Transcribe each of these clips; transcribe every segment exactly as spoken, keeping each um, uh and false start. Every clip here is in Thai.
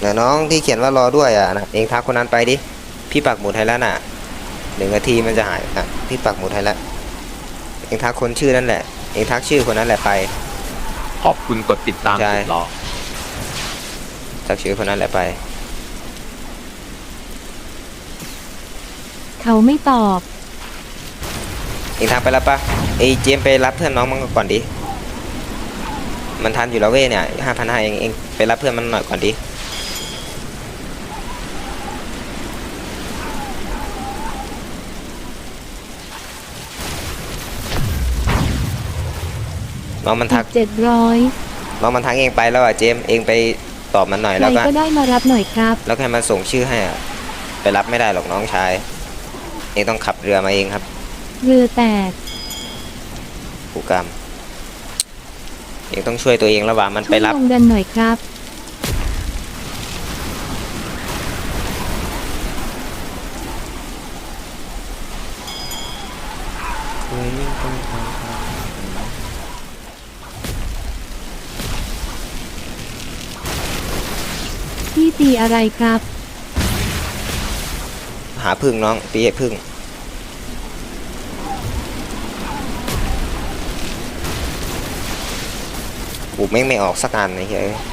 นะน้องที่เขียนว่ารอด้วยอ่ะนะเองทักคนนั้นไปดิพี่ปักหมุดให้แล้วน่ะหนึ่งนาทีมันจะหายอ่ะพี่ปักหมุดให้แล้วเองทักคนชื่อนั่นแหละเองทักชื่อคนนั้นแหละไปขอบคุณกดติดตามสุดหล่อทักชื่อคนนั้นแหละไปเขาไม่ตอบเองทักไปแล้วปะไอเจมไปรับเพื่อนน้องมันก่อนดิมันทันอยู่แล้วเว้ยเนี่ยห้าพันห้าเองเองไปรับเพื่อนมันหน่อยก่อนดิน้องมันทักเจ็ดร้อยน้องมันทักเองไปแล้วอ่ะเจมเองไปตอบมันหน่อยแล้วก็ก็ได้มารับหน่อยครับแล้วให้มันส่งชื่อให้อ่ะไปรับไม่ได้หรอกน้องชายเองต้องขับเรือมาเองครับเรือแตกผู้กรรมเองต้องช่วยตัวเองระหว่างมันไปรับลงดันหน่อยครับพี่ตีอะไรครับหาพึ่งน้องตีให้พึ่งกูไม่ไม่ออกสักอันเลยเฮ้ย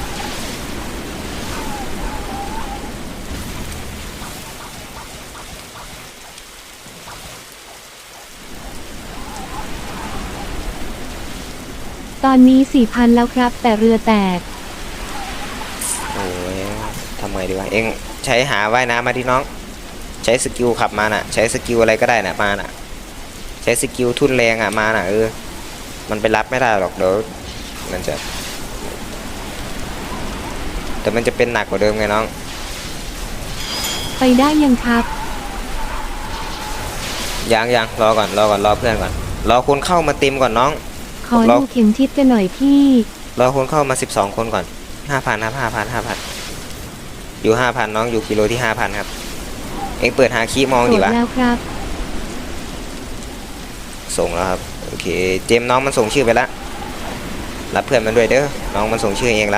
ตอนนี้สี่พันแล้วครับแต่เรือแตกโอ้ยทำไงดีวะเองใช้หาว่ายน้ำมาที่น้องใช้สกิลขับมาน่ะใช้สกิลอะไรก็ได้น่ะมาน่ะใช้สกิลทุ่นแรงอ่ะมาน่ะเออมันไปรับไม่ได้หรอกเดี๋ยวมันจะแต่มันจะเป็นหนักกว่าเดิมไงน้องไปได้ยังครับยังยังรอก่อนรอก่อนรอเพื่อนก่อนรอคนเข้ามาเต็มก่อนน้องขอดูเข็มทิศกันหน่อยพี่รอคนเข้ามาสิบสองคนก่อนห้าพันครับห้าพันห้าพันอยู่ห้าพันน้องอยู่กิโลที่ห้าพันครับเอ็งเปิดหาคีย์มองดิวะแล้วครับส่งแล้วครับโอเคเจมน้องมันส่งชื่อไปแล้วรับเพื่อนมันด้วยเด้อน้องมันส่งชื่อเองละ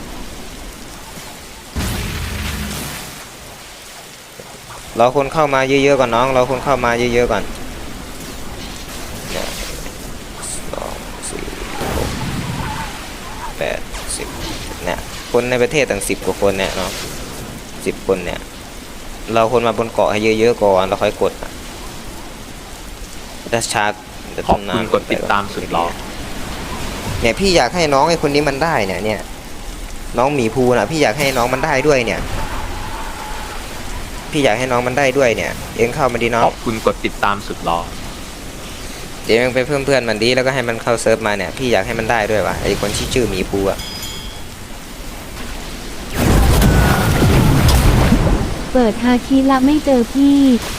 รอคนเข้ามาเยอะๆก่อนน้องรอคนเข้ามาเยอะๆก่อนเนี่ยสองสี่หกแปดสิบเนี่ยคนในประเทศตั้งสิบกว่าคนเนี่ยเนาะสิบคนเนี่ยเราคนมาบนเกาะให้เยอะๆก่อนเราค่อยกดดัชชาขอบคุณกดติดตามสุดหล่อเนี่ยพี่อยากให้น้องไอ้คนนี้มันได้เนี่ยเนี่ยน้องหมีภูนะพี่อยากให้น้องมันได้ด้วยเนี่ยพี่อยากให้น้องมันได้ด้วยเนี่ยเองเข้ามาดีน้องขอบคุณกดติดตามสุดหล่อเดี๋ยวเองไปเพิ่มเพื่อนมันดีแล้วก็ให้มันเข้าเซิร์ฟมาเนี่ยพี่อยากให้มันได้ด้วยว่ะไอ้คนที่ชื่อหมีภูอะเปิดฮาคิละไม่เจอพี่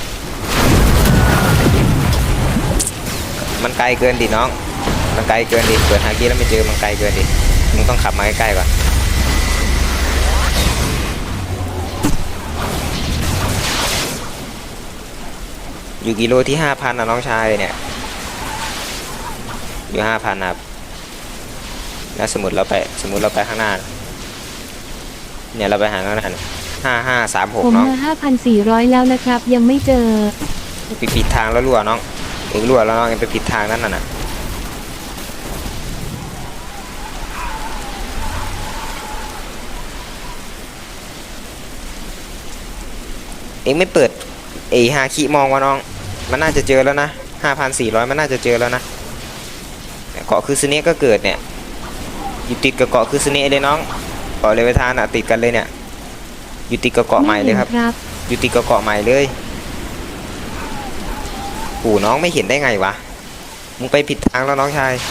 มันไกลเกินดิน้องมันไกลเกินดิเปิดฮาคิแล้วไม่เจอมันไกลเกินดิมึงต้องขับมาใกล้ๆก่อนอยู่กิโลที่ห้าพันนะน้องชายเนี่ยอยู่ห้าพันครับแล้วสมมติเราไปสมมติเราไปข้างหน้าเนี่ยเราไปหาข้างหน้าห้าห้าสามหกน้องผมห้าพันสี่ร้อยแล้วนะครับยังไม่เจอไปผิดทางแล้วรั่วน้องเองรั่วแล้วน้องเองไปผิดทางนั่นน่ะเองไม่เปิดเอฮาคิมองวะน้องมันน่าจะเจอแล้วนะห้าพันสี่ร้อยมันน่าจะเจอแล้วนะเกาะคือซึเนะก็เกิดเนี่ยอยู่ติดกับเกาะคือซึเนะเลยน้องเกาะเลเวทานอ่ะติดกันเลยเนี่ยอยู่ติดกับเกาะใหม่เลยครับอยู่ติดกับเกาะใหม่เลยโอ้น้องไม่เห็นได้ไงวะมึงไปผิดทางแล้วน้องชาย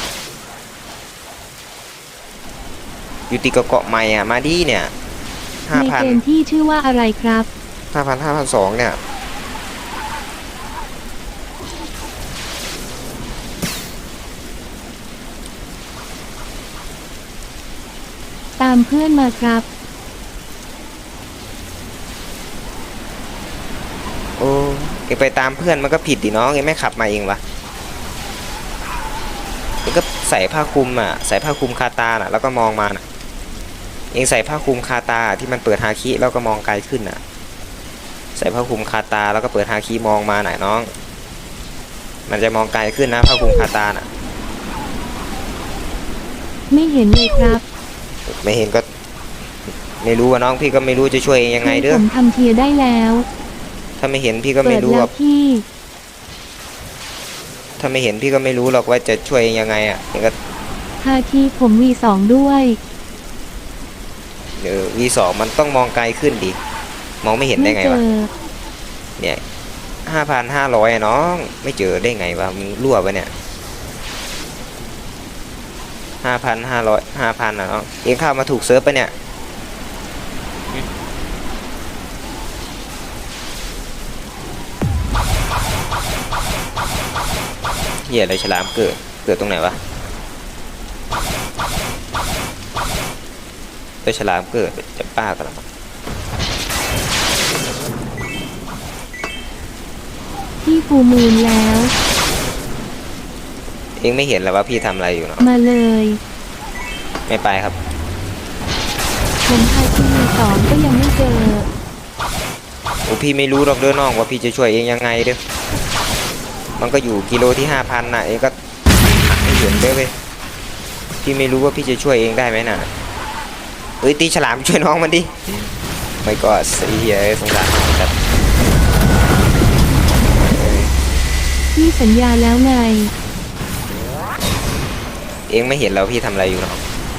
อยู่ติดกับเกาะใหม่อ่ะมาดีเนี่ยห้าพันในเกมที่ชื่อว่าอะไรครับห้าพันห้าพันสองเนี่ยตามเพื่อนมาครับโอ้เอ็งไปตามเพื่อนมันก็ผิดดิน้องเอ็งไม่ขับมาเองวะเอ็งก็ใส่ผ้าคลุมอ่ะใส่ผ้าคลุมคาตาน่ะแล้วก็มองมาน่ะเองใส่ผ้าคลุมคาตาที่มันเปิดฮาคิแล้วก็มองไกลขึ้นน่ะใส่ผ้าคลุมคาตาแล้วก็เปิดฮาคิมองมาหน่อยน้องมันจะมองไกลขึ้นนะผ้าคลุมคาตาน่ะไม่เห็นเลยครับไม่เห็นก็ไม่รู้ว่าน้องพี่ก็ไม่รู้จะช่วยเองยังไงเด้อผมทำเทียร์ได้แล้วถ้าไม่เห็นพี่ก็เปิไม่ดรู้แล้หรวอกพี่ถ้าไม่เห็นพี่ก็ไม่รู้หรอกว่าจะช่วยเองยังไงอ่ะเองก็ฮาคีผมวีสองด้วยเออวีสองมันต้องมองไกลขึ้นดิมองไม่เห็นได้ไม่ไงเจวะอเนี่ยห้าพันห้าร้อยน้องไม่เจอได้ไงวะมึงรั่วปะเนี่ยห้าพันห้าร้อยห้าพันอ่ะน้องเองเข้ามาถูกเซิร์ฟปะเนี่ยเหี้ยอะไรฉลามเกิดเกิดตรงไหนวะตัวฉลามเกิดจะป้ากันแล้วมั้งพี่ฟูมูลแล้วเองไม่เห็นแล้วว่าพี่ทำอะไรอยู่เนาะมาเลยไม่ไปครับผมฮาคีวีสองก็ยังไม่เจอโอ้พี่ไม่รู้หรอกเด้อน้องว่าพี่จะช่วยเองยังไงเด้อมันก็อยู่กิโลที่ห้าพันน่ะเองก็หักไม่เห็นเด้อเว้ยพี่ไม่รู้ว่าพี่จะช่วยเองได้ไหมน่ะเอ้ยตีฉลามช่วยน้องมันดิไม่ก็สีเหี้ยสงสารน้องจัดพี่สัญญาแล้วไงเองไม่เห็นแล้วพี่ทำอะไรอยู่น้อง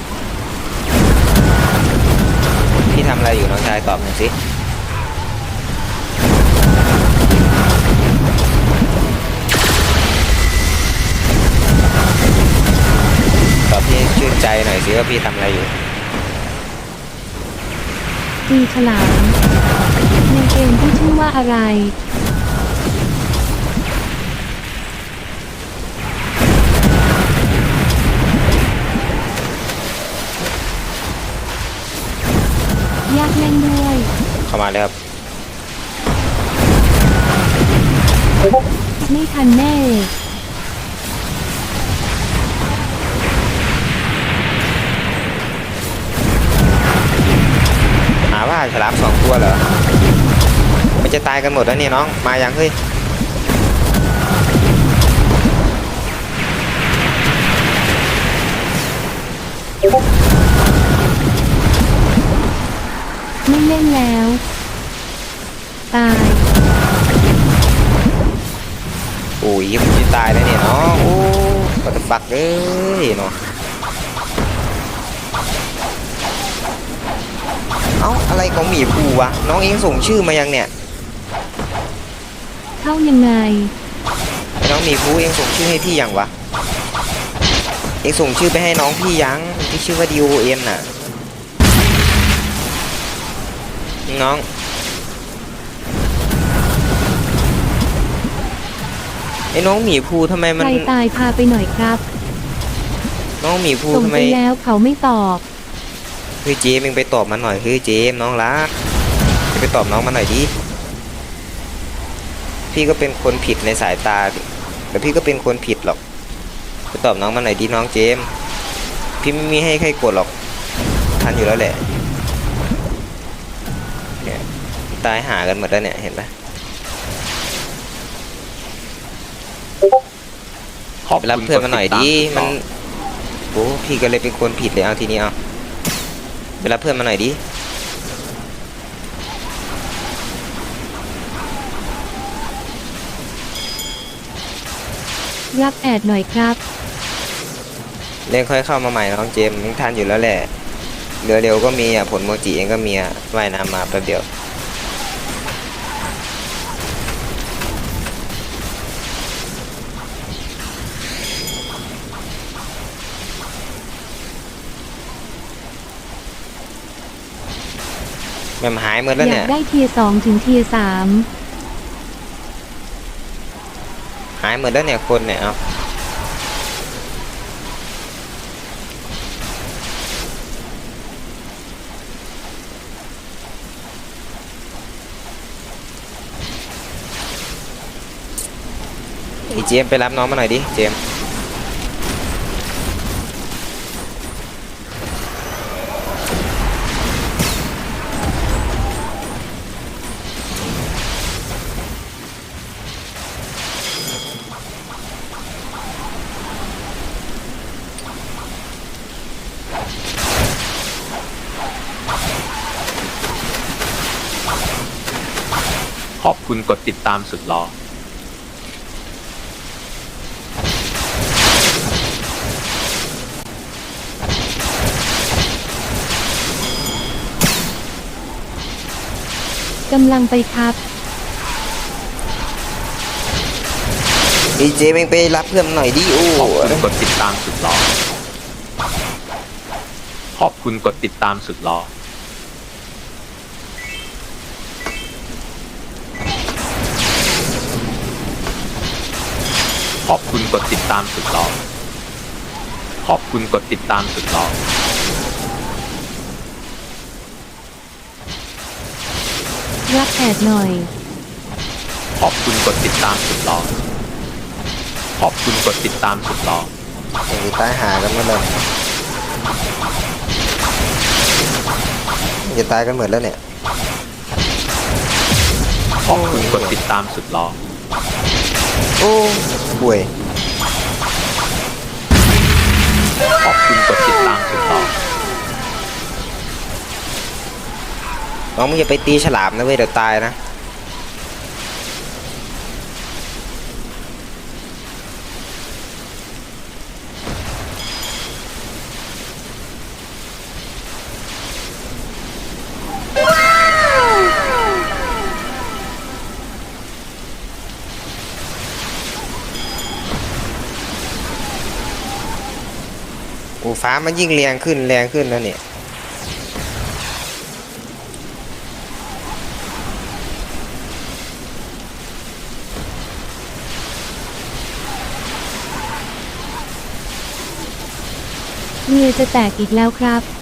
พี่ทำอะไรอยู่น้องชายตอบหน่อยสิตอบพี่ให้ชื่นใจหน่อยสิว่าพี่ทำอะไรอยู่ตีฉลามในเกมที่ชื่อว่าอะไร ยากเล่นด้วยเข้ามาเลยครับไม่ทันแน่หาว่าฉลามสองตัวเหรอมันจะตายกันหมดแล้วเนี่ยน้องมายังเฮ้ยไม่เล่นแล้ว ตายโอ้ยมันจะตายแล้วเนี่ยน้องโอ้ปัตปักเลยเนาะเอ้าอะไรของหมีภูวะน้องเองส่งชื่อมายังเนี่ยเข้ายังไงไอ้น้องหมีภูเองส่งชื่อให้พี่ยังวะเองส่งชื่อไปให้น้องพี่ยังที่ชื่อว่า ดี โอ เอ็น น่ะน้องไอ้น้องหมีภูทำไมมันใครตายพาไปหน่อยครับน้องหมีภูส่งทำไมไปแล้วเขาไม่ตอบเฮ้ยเจมเองไปตอบมันหน่อยเฮ้ยเจมน้องรักไปตอบน้องมันหน่อยดิพี่ก็เป็นคนผิดในสายตาแต่พี่ก็เป็นคนผิดหรอกไปตอบน้องมันหน่อยดิน้องเจมพี่ไม่มีให้ใครกดหรอกทันอยู่แล้วแหละเนี่ยตายหากันหมดแล้วเนี่ยเห็นปะขอบไปรับคุณเพื่อนมาหน่อยดิกติตามันสุดหล่อโอ้พี่ก็เลยเป็นคนผิดเลยเอาทีนี้เอาไปรับเพื่อนมาหน่อยดิรับแอดหน่อยครับเล่นค่อยเข้ามาใหม่น้องเจมมึงทันอยู่แล้วแหละเรือเร็วก็มีอ่ะผลโมจิเองก็มีอ่ะว่ายน้ำมาแป๊บเดียวมันหายหมดแล้วอยาเนี่กยได้เทียร์สองถึงเทียร์สามหายหมดแล้วเนี่ยคนเนี่ยเอาไอ้เจมส์ไปรับน้องมาหน่อยดิเจมส์ขอบคุณกดติดตามสุดหล่อกำลังไปครับดีเจแม่งไปรับเพื่อนหน่อยดิโอ้ขอบคุณกดติดตามสุดหล่อขอบคุณกดติดตามสุดหล่อขอบคุณกดติดตามสุดหล่อขอบคุณกดติดตามสุดหล่อรับแอดหน่อยขอบคุณกดติดตามสุดหล่อขอบคุณกดติดตามสุดหล่อไอ้ตายหากันหมดเลยจะตายกันหมดแล้วเนี่ยขอบคุณกดติดตามสุดหล่อโอ้ป่วยขอบคุณกดติดตามสุดหล่อน้องมึงอย่าไปตีฉลามนะเว้ยเดี๋ยวตายนะโอ้ฟ้ามันยิ่งแรงขึ้นแรงขึ้นแล้วเนี่ยเรือจะแตกอีกแล้วครับ